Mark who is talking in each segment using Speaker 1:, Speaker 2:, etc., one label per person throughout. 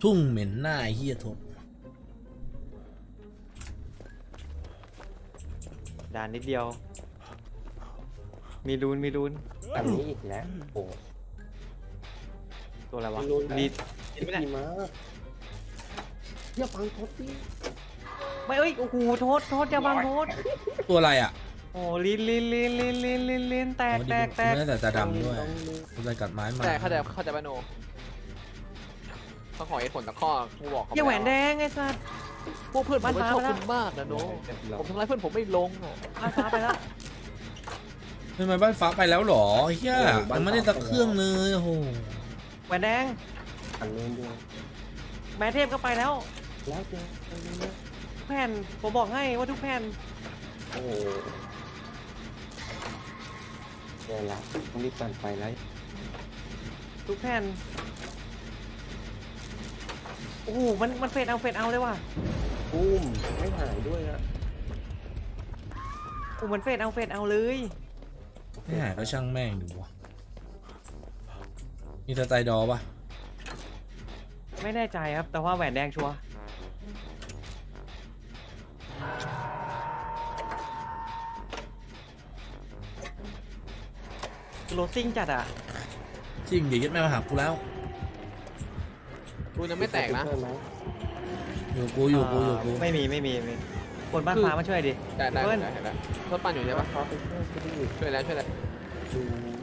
Speaker 1: ทุ่งเหม็นหน้าเฮียทบ
Speaker 2: ด่านนิดเดียวมีลุ้น
Speaker 3: อันนี้อีกแล้วโอ้
Speaker 2: ตัวอะไรวะ
Speaker 3: ลุ้น
Speaker 2: ดี
Speaker 3: ดีมากอย่าฟังทศดิ
Speaker 2: ไม่เอ้ยโอ้โหโทษอย่าบังโทษ
Speaker 1: ตัวอะไรอ่ะ
Speaker 2: โอ้ลิ้นแตก
Speaker 1: ไม่ได้แต่ตาดำด้วยอะไรกัดไม้มา
Speaker 4: แต่เข้าใจป่ะโนต้องขอเหตุผลตะข้อกูบอกเขา
Speaker 2: อย่าแหวนแดงไอ้สัส
Speaker 4: พวกเพื่อนผม
Speaker 2: บ้าน
Speaker 4: ชอบ
Speaker 2: ฟ้า
Speaker 4: คุณมากนะโนผมทำร้ายเพื่อนผมไม่ลงอะ
Speaker 2: บ้านฟ้าไปแล้ว
Speaker 1: ทำไมบ้านฟ้าไปแล้วหรอเฮียมันไม่ได้สักเครื่องเลยโอ้โห
Speaker 2: แหวนแดง
Speaker 3: อันนี้ด้วย
Speaker 2: แม่เทพก็ไปแล้ว
Speaker 3: แล้วเจออันนี้นะ
Speaker 2: แผ่นผมบอกให้ว่าทุกแผ่น
Speaker 3: โอ้เดี๋ยวละต้องรีบปั่นไปแล้ว
Speaker 2: ทุกแผ่นโอ้โหมันเฟดเอาเลยว่ะ
Speaker 3: ปุ้มไม่หายด้วยอะ
Speaker 2: โอ้มันเฟดเอาเลย
Speaker 1: ไม่หายก็ช่างแม่งดูวะมีสไตล์ดอปะ
Speaker 2: ไม่แน่ใจครับแต่ว่าแหวนแดงชัวร์โรซิ่งจัดอ่ะ
Speaker 1: จริงเดี๋ยวยึดแม่มาหากูแล้ว
Speaker 4: กูยังไม่แตกนะ
Speaker 3: ใช่ไหม
Speaker 1: อยู่กู
Speaker 2: ไม่มีคนบ้านฟ้ามาช่วยดิ
Speaker 4: ได้
Speaker 2: เพื่อน
Speaker 4: เห็นแล้วทดปั่นอยู่ใช่ปะ
Speaker 3: เขาไปช่วยที่นี่
Speaker 4: ช่วยแล้ว
Speaker 3: ดู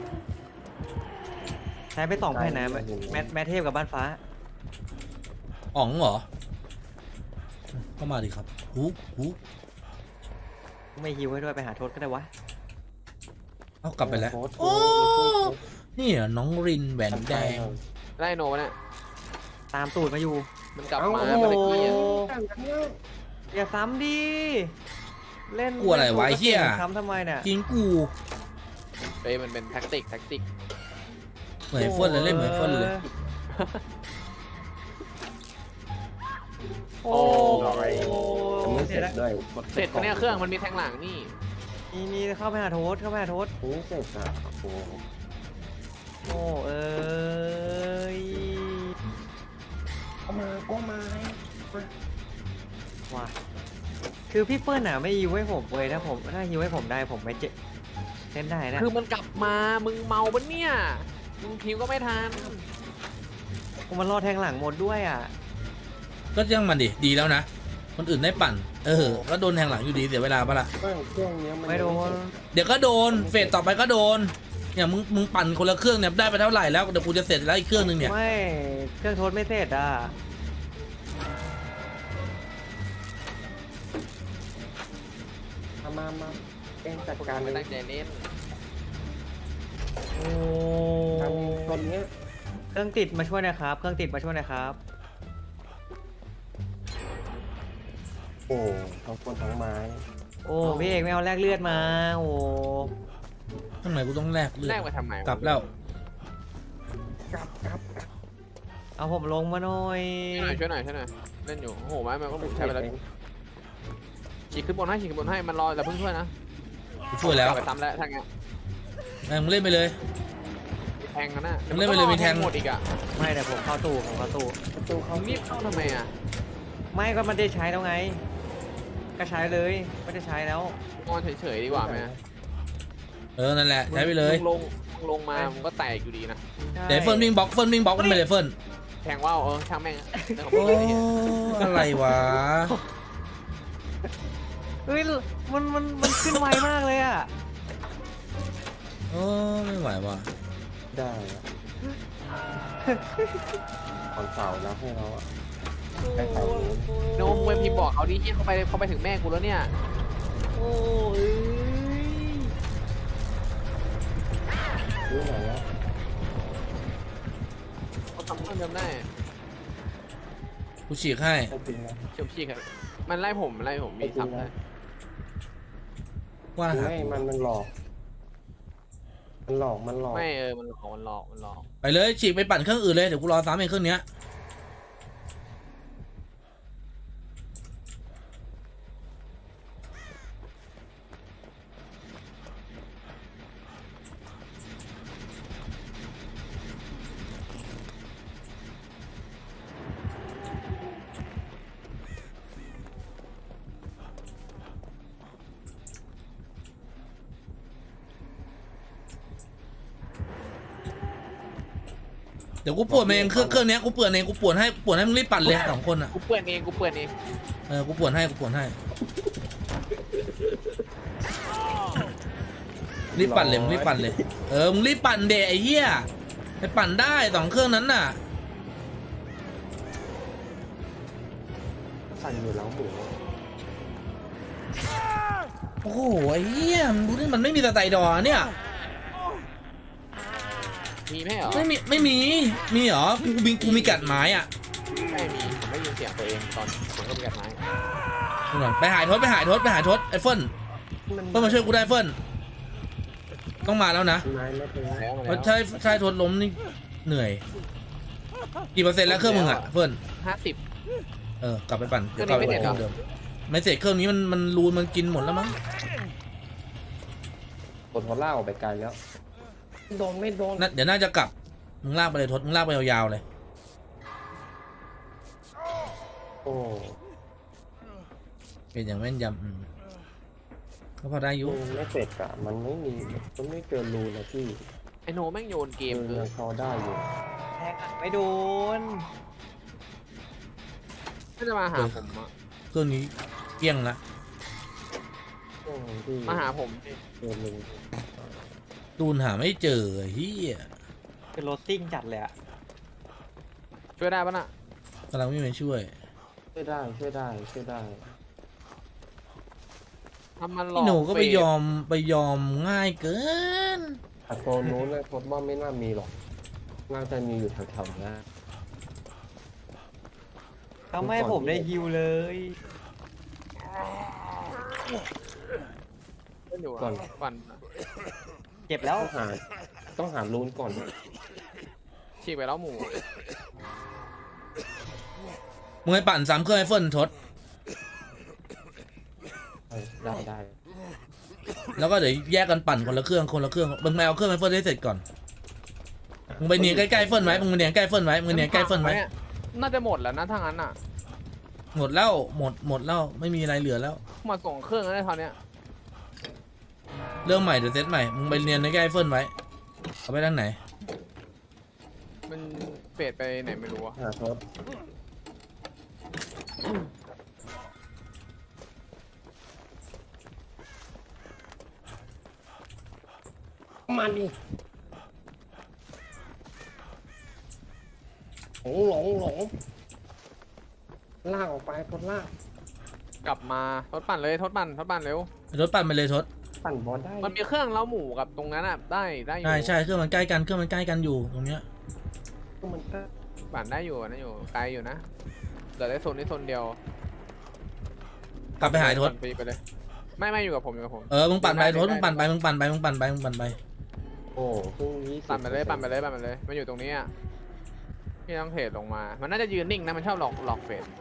Speaker 2: ใช้ไป2แผ่นนะแมทเทพกับบ้านฟ้า
Speaker 1: อ๋องเหรอเข้ามาดิครับหู
Speaker 2: ไม่ฮิวให้ด้วยไปหาโทษก็ได้วะ
Speaker 1: เอากลับไปแล้ว
Speaker 3: โอ้
Speaker 1: โอ้นี่เหรอน้องรินแหวนแดง
Speaker 4: ไล่โนวะเนี่ย
Speaker 2: ตามตูดมาอยู่
Speaker 4: มันกลับ
Speaker 3: เอ้า
Speaker 4: มา
Speaker 3: โอ้
Speaker 4: เมื่อ
Speaker 3: โห
Speaker 4: กี้อะ
Speaker 2: อย่าซ้ำดิเล่น
Speaker 1: กลัวอะไรวะไอ้เหี้ย
Speaker 2: ซ้ำทำไมเนี่ย
Speaker 1: จริงกู
Speaker 4: เฮ้ยมันเป็นแท็กติก
Speaker 1: เหมือนเฟิร์นเลยเล่นเหมือนเฟิร์นเลย
Speaker 2: โอ้
Speaker 3: ยังไม่เสร็จด้วย
Speaker 4: เสร็จเนี่ยเครื่องมันมีแทงหลังนี่
Speaker 2: นี่เข้าไปหาโทษ
Speaker 3: ยังไม่เสร็จอ่ะโอ้
Speaker 2: โอ้เอ้ย
Speaker 3: ก็มา
Speaker 2: ว่ะคือพี่เฟิร์นอ่ะไม่ฮิวให้ผมเลยถ้าฮิวให้ผมได้ผมไม่เล่นได้นะ
Speaker 4: คือมันกลับมามึงเมาปะเนี่ยมึงพิวก็ไม่ทัน
Speaker 2: มันรอแทงหลังหมดด้วยอ่ะ
Speaker 1: ก็ยังมันดิดีแล้วนะคนอื่นได้ปั่นก็โดนแทงหลังอยู่ดีเสียเวลาปะล่ะ
Speaker 3: เครื่องนี้มัน
Speaker 2: ไม่โดน
Speaker 1: เดี๋ยวก็โดนเฟสต่อไปก็โดนเนี่ยมึงปั่นคนละเครื่องเนี่ยได้ไปเท่าไหร่แล้วเดี๋ยวกูจะเสร็จแล้วอีกเครื่องนึงเนี่ย
Speaker 2: ไม่เครื่องโทษไม่เสร็จอ่ะ
Speaker 3: มาเองจัด
Speaker 4: คน
Speaker 3: การ
Speaker 4: ไม่
Speaker 3: เล
Speaker 4: ตั้
Speaker 3: ย
Speaker 4: งใจเล่น
Speaker 2: โอ้
Speaker 3: ทำตอนนี้
Speaker 2: เครื่องติดมาช่วยหนะครับเครื่องติดมาช่วยหนะครับ
Speaker 3: โอ้ทั้งคนทั้งไม้
Speaker 2: โอ้พี่เอกไม่เอาแลกเลือดมาโอ้
Speaker 1: ทำไมกูต้องแลกเลือ
Speaker 4: แร
Speaker 1: ด
Speaker 4: กมาทำไม
Speaker 1: กลับแล้ว
Speaker 3: กลับ
Speaker 2: เอาผมลงมาหน่อย
Speaker 4: ช่วยหน่อยเล่นอยู่โอ้โหไม้มันก็บุกใช้ไปแล้วฉีกขึ้นบนให้มันรอแต่เพิ่งช่วยนะ
Speaker 1: กูช่วยแล้ว
Speaker 4: ไปซ้ำแล้วทางเงี้ย
Speaker 1: มึงเล่นไปเลย
Speaker 4: แทงกันนะ
Speaker 1: มันเล่นไปเลยมีแทง
Speaker 4: หมดอีกอ่ะ
Speaker 2: ไม่แต่ผมเข้าตู้
Speaker 3: ประตูเขา
Speaker 4: มึงรีบเข้าทำไมอ่ะ
Speaker 2: ไม่ก็มันได้ใช้แล้วไง ก็ใช้เลยไม่ได้ใช้แล้ว
Speaker 4: นอนเฉยๆดีกว่าไหม
Speaker 1: นั่นแหละใช้ไปเลย
Speaker 4: มึงลงมามึงก็แตกอยู่ดีนะ
Speaker 1: เดี๋ยวเฟิร์นวิ่งบล็อกมันไปเลยเฟิร์น
Speaker 4: แทงว่าวช่างแม่งเรื่องของ
Speaker 1: โอ้
Speaker 4: มึงไอ้เหี้ย
Speaker 1: อะไรวะ
Speaker 2: เฮ้ยมันขึ้นไวมากเลยอ่ะ
Speaker 1: โอ้ไม่ไหวว่ะ
Speaker 3: ได้ของเสาแล้วให้เราไปเสานู้น
Speaker 4: โนมเว็บพิมพ์บอกเขาดิที่เขาไปถึงแม่กูแล้วเนี่ย
Speaker 2: โอ้ย
Speaker 3: รู้ไหนแล้ว
Speaker 4: เขาทำเพิ่มเติมได้
Speaker 1: กูฉีกให้
Speaker 3: ไม่จริงนะ
Speaker 4: เชี่ยวชี้ครับมันไล่ผมมีซ้ำได้
Speaker 1: ว่าหา
Speaker 3: ไม่มันหลอกมันหลอก
Speaker 4: ไม่มันหลอก
Speaker 1: ไปเลยฉีกไปปั่นเครื่องอื่นเลยเดี๋ยวกูรอซ้ำเองเครื่องเนี้ยเดี๋ยวกูปวดเองเครื่องเนี้ยกูปวดเองกูปวดให้มึงรีบปั่นเลย2คนอ่ะ
Speaker 4: กูเปื่อนเองกูเปื่อนเอง
Speaker 1: กูปวดให้รีบปั่นเลยมึงรีบปั่นเลยมึงรีบปั่นเดะไอ้เหี้ยไปปั่นได้2เครื่องนั้นน่ะ
Speaker 3: สั่นอยู่แล้วหมู
Speaker 1: โอ้โหไอ้เหี้ยมึงดูนี่มันไม่มีสไตล์ดอเนี่ย
Speaker 4: มีไหมเหรอ
Speaker 1: ไม่มีเหรอกูมีกัดไม้อ่ะ
Speaker 4: ไม่มีผมไม่ยินเสียงตัวเองตอนผมก็มีกัดไม้
Speaker 1: ไปหายทศไอ้เฟิร์นมาช่วยกูได้เฟิร์นต้องมาแล้วนะ
Speaker 3: ไม้ไม่เป็นไร
Speaker 4: แล้วมา
Speaker 1: เพ
Speaker 4: แล้
Speaker 1: ราะใช่ทศล้มนี่เหนื่อยกี่เปอร์เซ็นต์แล้วเครื่องมึงอ่ะเฟิร์น
Speaker 4: 50
Speaker 1: กลับไปปั่น
Speaker 4: เครื่องนี้ไม่เสร็จเหรอ
Speaker 1: เดิมไม่เสร็จเครื่องนี้มันรูนมันกินหมดแล้วมั้ง
Speaker 3: กดหัวล่าออกไปไกลแล้วโดนไม่โดน
Speaker 1: เดี๋ยวน่าจะกลับมึงลากไปเลยทศมึงลากไปยาวๆเลย
Speaker 3: โอ้
Speaker 1: เป็นอย่างแม่นยก็พอได้อยู่
Speaker 3: ไม่เสร็จอะมันไม่เกินรูนะพี่
Speaker 4: ไอโนแม่งโยนเกมคือ
Speaker 3: ยังพอได้อยู่
Speaker 2: แทงไม่โดน
Speaker 4: ถ้าจะมาหาผมอะ
Speaker 1: เครื่องนี้เกลี้ยงละ
Speaker 3: ที่
Speaker 4: มาหาผม
Speaker 3: เกินรู
Speaker 1: ตูนหาไม่เจอเฮีย
Speaker 2: คือรถซิ่งจัดเลยอะ
Speaker 4: ช่วยได้ปะน่ะ
Speaker 1: กำลังไม่มาช่วย
Speaker 3: ช่วยได้
Speaker 4: ทำมันหลอก
Speaker 1: พี่หนูก็ไป
Speaker 4: เฟซ
Speaker 1: ยอมง่ายเกิน
Speaker 3: แต่โซนนู้นเลยทดว่าไม่น่ามีหรอกน่าจะมีอยู่แถวๆนี้
Speaker 2: ทำให้ผมได้ฮิวเลย
Speaker 4: เล่นอยู่อะปั่น
Speaker 2: เจ็บแล้ว
Speaker 3: ต้องหารูนก่อน
Speaker 4: ฉีกไปแล้วหมู
Speaker 1: มึงให้ปั่น3เครื่องให้เฟิร์นทด
Speaker 3: ได้
Speaker 1: แล้วก็เดี๋ยวแยกกันปั่นคนละเครื่องมึงไปเอาเครื่องให้เฟิร์นให้เสร็จก่อนมึงไปเนียนใกล้ๆเฟิร์นไว้มึงเนียนใกล้เฟิร์นไว้
Speaker 4: น่าจะหมดแล้วนะถ้างั้นอ่ะ
Speaker 1: หมดแล้วไม่มีอะไรเหลือแล้ว
Speaker 4: มาส่งเครื่องแล้วได้ตอนเนี้ย
Speaker 1: เรื่องใหม่เดี๋ยวเซตใหม่มึงไปเนียนใกล้ๆเฟิร์นไว้เอาไปด้านไหน
Speaker 4: มันเฟดไปไหนไม่รู้อะ
Speaker 3: หาทดมาดิหลงลากออกไปทดลาก
Speaker 4: กลับมาทดปั่นเลยทดปั่นเร็ว
Speaker 1: ทดปั่นไปเลยทด
Speaker 3: ปั่นบอลได้
Speaker 4: มันมีเครื่องเล้าหมูกับตรงนั้นอ่ะได้อยู่
Speaker 1: ใช่เครื่องมันใกล้กันอยู่ตรงเนี้ย
Speaker 3: มันก็
Speaker 4: ปั่นได้อยู่ไกลอยู่นะเหลือได้โซนนี้โซนเดียว
Speaker 1: กลับไปหายทด
Speaker 4: ไปเลยไม่อยู่กับผม
Speaker 1: มึงปั่นไปทดมึงปั่นไป
Speaker 3: โอ้เพิ่ง20
Speaker 4: ปั่นไปเลยมันอยู่ตรงนี้อ่ะพี่ต้องเทรดลงมา มันน่าจะยืนนิ่งนะมันชอบหลอกเฟด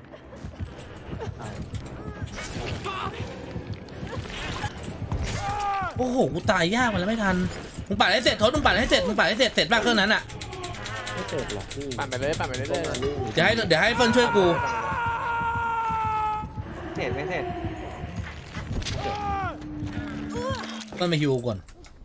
Speaker 1: โอ้โหกูตายยากมันแล้วไม่ทันมึงปั่นให้เสร็จทดมึงปั่นให้เสร็จเสร็จบ้างเครื่องนั้นอ่ะ
Speaker 3: ไม่เสร็จหรอกพี่
Speaker 4: ปั่นไปเลย
Speaker 3: ต้องมานี่
Speaker 1: เดี๋ยวให้เฟิร์นช่วยกู
Speaker 2: เสร็จไม่เสร็จ
Speaker 1: เฟิร์นมาฮิวก่อน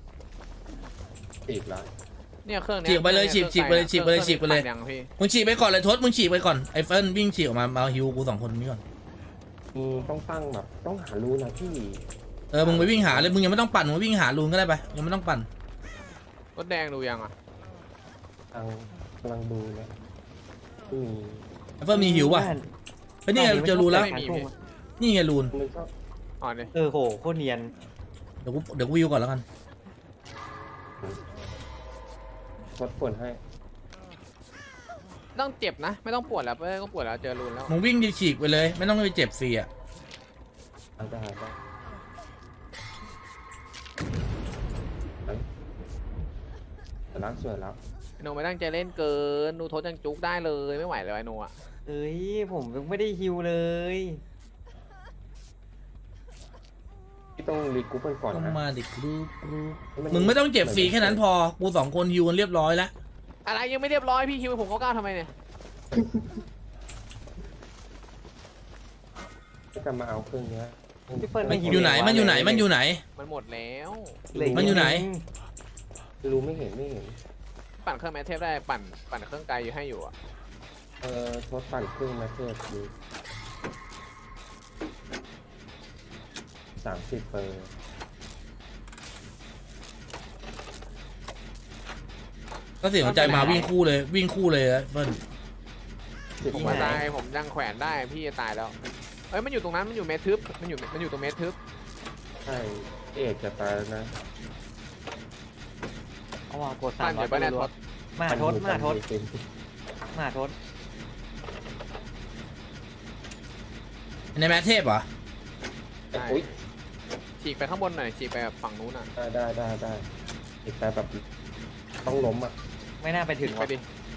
Speaker 3: อีกแล้ว
Speaker 4: เนี่ยเครื่องเนี้ย
Speaker 1: ฉีกไปเลยฉีกไปเลย
Speaker 4: ยังพี่
Speaker 1: มึงฉีกไปก่อนเลยทศมึงฉีกไปก่อนไอ้เฟิร์นวิ่งฉีกออกมาฮิวกู2คนนี้ก่อน
Speaker 3: ต้องตั้งแบบต้องหารูนะพี่
Speaker 1: มึงไปวิ่งหาเลยมึงยังไม่ต้องปั่นมึงวิ่งหาลูนก็ได้ไปยังไม่ต้องปั่น
Speaker 4: รถแดงดูยังอ่ะ
Speaker 3: กำลังดูนะที่มี
Speaker 1: ไอ้เฟิร์นมีหิวป่ะเฮ้ยนี่ไงเจอรูนแล้ว
Speaker 4: ไม่มีพี่
Speaker 1: นี่ไงลูน
Speaker 3: มันก็
Speaker 4: อ๋อเนี่ย
Speaker 2: โหโคตรเนียน
Speaker 1: เดี๋ยวกูวิวก่อนแล้วกัน
Speaker 3: ลดฝนให้
Speaker 4: ต้องเจ็บนะ ไม่ต้องปวดแล้วก็ปวดแล้วเจอรูนแล้ว
Speaker 1: มึงวิ่งฉีกไปเลยไม่ต้องไปเจ็บฟรีอ่ะ
Speaker 3: อาจจะหายได้แต่ล้างสวยแล้ว
Speaker 4: ไอโนไม่ตั้งใจเล่นเกินดูโทษยังจุกได้เลยไม่ไหวเลยไอโนอ่ะ
Speaker 2: เอ้ยผมยังไม่ได้ฮิวเลย
Speaker 3: พี่ต้องรีกรุ๊ปกันก่อน
Speaker 1: ต้อง
Speaker 3: นะ
Speaker 1: มาดิกรูมึงไม่ต้องเจ็บฟรีแค่นั้นพอกู2คนฮิวกันเรียบร้อยแล้ว
Speaker 4: อะไรยังไม่เรียบร้อยพี่คิวผมเขาก้าวทำไมเนี่ย
Speaker 3: จะมาเอาเครื่องนี้
Speaker 2: พี่เฟิร์น
Speaker 1: มันอยู่ไหนมันอยู่ไหน
Speaker 4: มันหมดแล้ว
Speaker 1: มันอยู่ไหน
Speaker 3: รู้ไม่เห็น
Speaker 4: ปั่นเครื่องแมทเทพได้ปั่นเครื่องไกลอยู่ให้อยู่อ่ะ
Speaker 3: ทดปั่นครึ่งมาเทศดู30 เปอร์
Speaker 1: ก็เสียหัวใจมาวิ่งคู่เลยวิ่งคู่เลยนะเฟิร์น
Speaker 4: ผมมาตายผมยังแขวนได้พี่จะตายแล้วเอ้ยมันอยู่ตรงนั้นมันอยู่เมททึบมันอยู่ตรงเมททึบ
Speaker 3: ใช่เอกจะตายแล้วนะ
Speaker 2: เอาว่ากด
Speaker 4: ปั่นอยู่ปะเนี่ยทศ
Speaker 2: มาทดมาทด
Speaker 3: จริง
Speaker 2: มาทด
Speaker 1: ในแมทเทพเหรอ
Speaker 3: ๆอุ๊ย
Speaker 4: ฉีกไปข้างบนหน่อยฉีกไปฝั่งนู้นอ่ะ
Speaker 3: ได้อีกแต่แบบต้องล้มอ่ะ
Speaker 2: ไม่น่าไปถึง
Speaker 4: ไป
Speaker 2: ว่ะ
Speaker 4: ดิ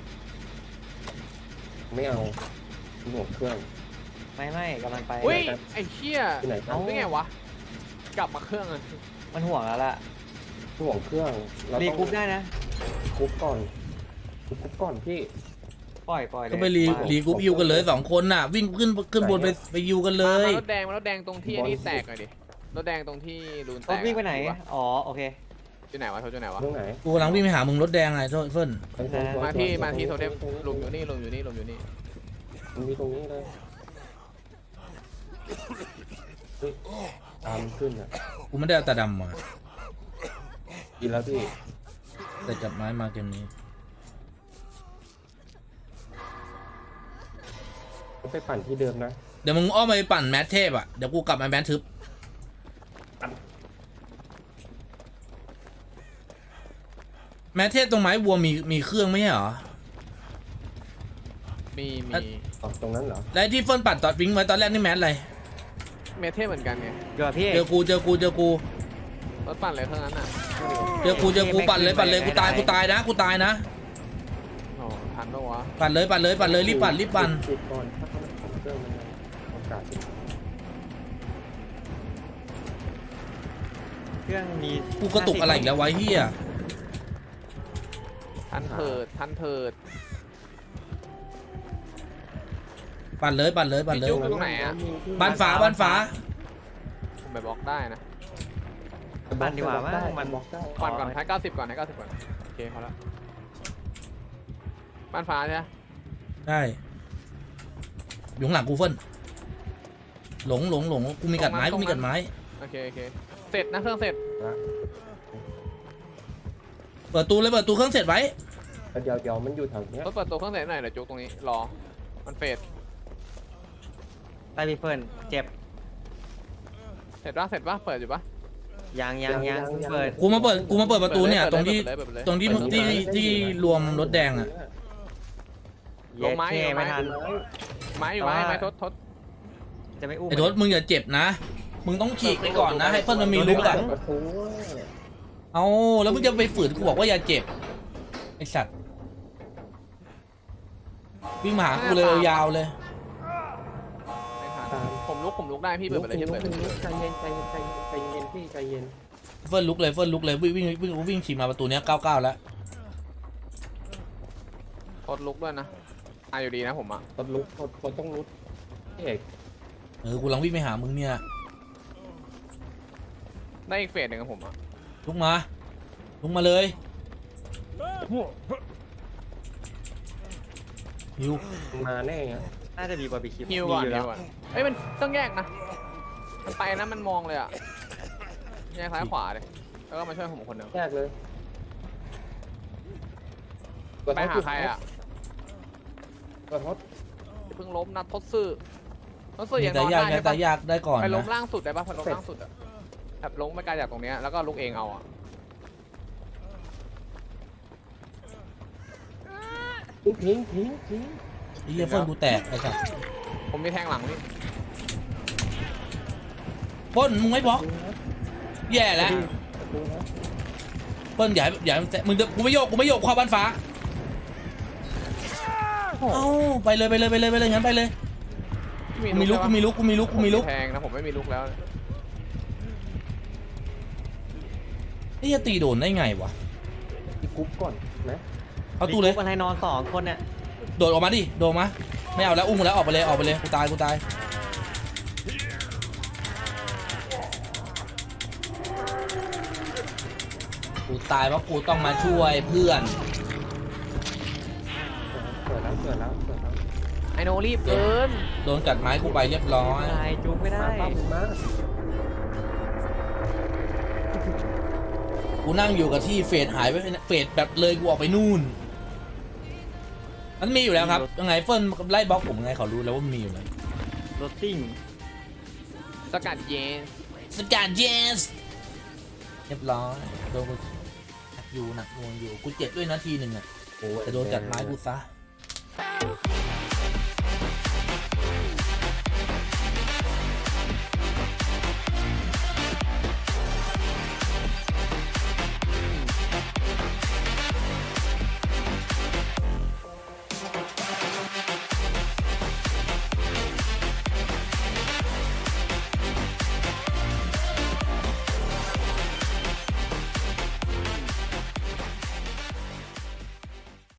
Speaker 3: ไม่เอาหน่วงเครื่อง
Speaker 2: ไม่กำลังไป
Speaker 4: อุ้ยไอ้เชี่ย
Speaker 3: ที่ไหนครั
Speaker 2: เอ้า
Speaker 3: บ
Speaker 4: นี่ไงวะกลับมาเครื่องเลย
Speaker 2: มันห่วงแล้วล่ะ
Speaker 3: หน่วงเครื่องเรา
Speaker 2: รี
Speaker 3: ต้อง
Speaker 2: กรุ๊ปได้นะ
Speaker 3: คุบก่อนพี่
Speaker 2: ปล่อยเลย
Speaker 1: ก็ไปรีกรุ๊ปฮิวกันเลย2 คนน่ะ วิ่งขึ้นบนไปฮิวกันเลย
Speaker 4: มารถแดงตรงที่อันนี้แตกหน่อยดิรถแดงตรงที่รูนแต
Speaker 2: รถ
Speaker 4: ก
Speaker 2: วิ่งไปไหนอ๋อโอเค
Speaker 4: อยู่ไหนวะโทษอยู่ไหนวะ
Speaker 3: ตรงไหน
Speaker 1: กูกำลังวิ่งไปหามึงรถแดงไงเฟิร์น
Speaker 4: มาที่โทเทมลงอยู่นี่ลงอยู่นี่
Speaker 3: ตรงนี้เลยเฮ้ยตามขึ้นอ่ะ
Speaker 1: กูไม่ได้เอาตาดำมา
Speaker 3: กินแล้วพี่
Speaker 1: แต่จับไม้มาเกมนี้
Speaker 3: ไปปั่นที่เดิมนะ
Speaker 1: เดี๋ยวมึงอ้อมไปปั่นแมทเทพอ่ะเดี๋ยวกูกลับมาแมททึบแมทเทพตรงไม้วัวมีเครื่องไม่ใช่เหรอ
Speaker 4: มี
Speaker 3: ตรงนั้นเหรอ
Speaker 1: แล้วที่เฟิร์นปั่นตอนวิ่งไว้ตอนแรกนี่แมทอะไร
Speaker 4: เมทเทพเหมือนกันไง
Speaker 2: เดี๋ยวพี่
Speaker 1: เจอกู
Speaker 4: รถปั่นเลยเท่านั้นอ่ะ
Speaker 1: เจอกูปั่นเลยกูตายนะ
Speaker 4: โอ้ทันปะวะ
Speaker 1: ปั่นเลยรีบปั่น
Speaker 3: ปิดก่อนถ้าเขาของเครื่องมันโอกาส
Speaker 2: เครื่องมี
Speaker 1: กูกระตุกอะไรอีกแล้ววะเฮีย
Speaker 4: ทันเถิด
Speaker 1: ปั่นเลย
Speaker 4: พี่จุ๊บ ตรงไหนอะ
Speaker 1: บ้านฟ้า
Speaker 4: ผมไปบล็อกได้นะ
Speaker 2: ปั่นดีกว่ามั้งมัน
Speaker 3: บล็อกได้
Speaker 4: ปั่นก่อนให้90ก่อนโอเคพอแล้วบ้านฟ้าใช่ไหม
Speaker 1: ได้อยู่ข้างหลังกูเฟิร์นหลงกูมีกัดไม้
Speaker 4: โอเคเสร็จนะเครื่องเสร็จ
Speaker 1: เปิดตู้เครื่องเสร็จไว้
Speaker 3: เดี๋ยวมันอยู่แถวเนี้ย
Speaker 4: รถเปิดตัวเครื่องเสร็จหน่อยเดี๋ยวจุ๊บตรงนี้รอมันเฟด
Speaker 2: ไต้พี่เฟิร์นเจ็บ
Speaker 4: เสร็จปะเปิดอยู่ปะ
Speaker 2: ยังเปิด
Speaker 1: กูมาเปิดประตูเนี่ยตรงที่
Speaker 4: เปิดเลย
Speaker 1: ที่รวมรถแดงอ่ะ
Speaker 4: ลงไม้
Speaker 2: เย้ไม่ทัน
Speaker 4: ไม้อยู่ไม้ทด
Speaker 2: จะไม่อุ้ม
Speaker 1: ไอ้ทศมึงอย่าเจ็บนะมึงต้องฉีกไปก่อนนะให้เฟิร์นมันมีลุกอ่ะ
Speaker 3: โอ้โห
Speaker 1: เอาแล้วมึงจะไปฝืนกูบอกว่าอย่าเจ็บไอ้สัตว์วิ่งมาหากูเลยยาวเลย
Speaker 4: ไม่ทันผมลุกได้พี่เปิดไปเลยพี่เปิดไปเลย
Speaker 3: ใจเย็นพี่ใจเย็น
Speaker 1: เฟิร์นลุกเลยวิ่งฉีกมาประตูเนี้ย99แล้ว
Speaker 4: ทดลุกด้วยนะอยู่ดีนะผมอ่ะ
Speaker 3: คนลุกคนต้องลุกเอก
Speaker 1: กูกำลังวิ่งไปหามึงเนี่ย
Speaker 4: ได้อีกเฟสหนึ่งกับผมอ่ะ
Speaker 1: ลุกมาเลยฮิว
Speaker 3: มาแน่อะ
Speaker 2: น่าจะดีกว่าบีคิป
Speaker 4: ฮิวก่อน
Speaker 2: แล้ว
Speaker 4: เอ้ยมันต้องแยกนะมันไปนะมันมองเลยอ่ะแยกซ้ายขวาเลยแล้วก็มาช่วยผมคนหนึ่ง
Speaker 3: แยกเลย
Speaker 4: ไปหาใครอ่ะ
Speaker 3: กระทบ
Speaker 4: เพิ่งล้มนัดทดซื่อยังน
Speaker 1: แต่
Speaker 4: อน
Speaker 1: ยาก
Speaker 4: ได้ใช่
Speaker 1: แต่
Speaker 4: ปะ
Speaker 1: ยากได้ก่อน
Speaker 4: ไปล้ม
Speaker 1: นะ
Speaker 4: ล่างสุดได้ปะไปล้มล่างสุดอ่ะแบบล้มไม่ไกลจากตรงเนี้ยแล้วก็ลุกเองเอาอ่ะ
Speaker 3: ทิ้ง
Speaker 1: ไอ้เหี้ยเฟิร์นกูแตกไอ้สัส
Speaker 4: ผมมีแทงหลังนี่
Speaker 1: เฟิร์นมึงไม่บล็อกแย่แล้ว
Speaker 3: ดูนะ
Speaker 1: เฟิร์นอย่ามึงกูไม่โยกเข้าบ้านฟ้าเอ้าไปเลยงั้นไปเลยกูมีลุก
Speaker 4: แทงนะผมไม่มีลุกแล้ว
Speaker 1: ไอ้เหี้ยตีโดนได้ไงวะ
Speaker 3: อีกกรุ๊ปก่อนนะ
Speaker 1: เอาตู้เลย
Speaker 2: อะไรนอน2 คนเนี่ย
Speaker 1: โดดออกมาดิโดดออกมาไม่เอาแล้วอุ้มแล้วออกไปเลยกูตายกูตายเพราะกูต้องมาช่วยเพื่อน
Speaker 3: เกิดแล้วเกิดแล้ว
Speaker 4: ไอโนรีบเกิน
Speaker 1: โดนกัดไม้กูไปเรียบร้อย
Speaker 2: ตายจุกไม่ได้
Speaker 3: มาปั๊บมา
Speaker 1: กูนั่งอยู่กับที่เฟดหายไปเฟดแบบเลยกูออกไปนู่น มันมีอยู่แล้วครับยังไงเฟิร์นไล่บล็อกผมยังไงเขารู้แล้วว่ามันมีอยู่แล้ว
Speaker 2: รถซิ่ง
Speaker 4: สกัดเย็น
Speaker 1: สกัดเยสเรียบร้อยโดนกูหนักอยู่หนักหน่วงอยู่กูเจ็บด้วยนาทีหนึ่งอ่ะ
Speaker 3: โอ้ย
Speaker 1: แต่โดนกัดไม้กูซะ
Speaker 3: แ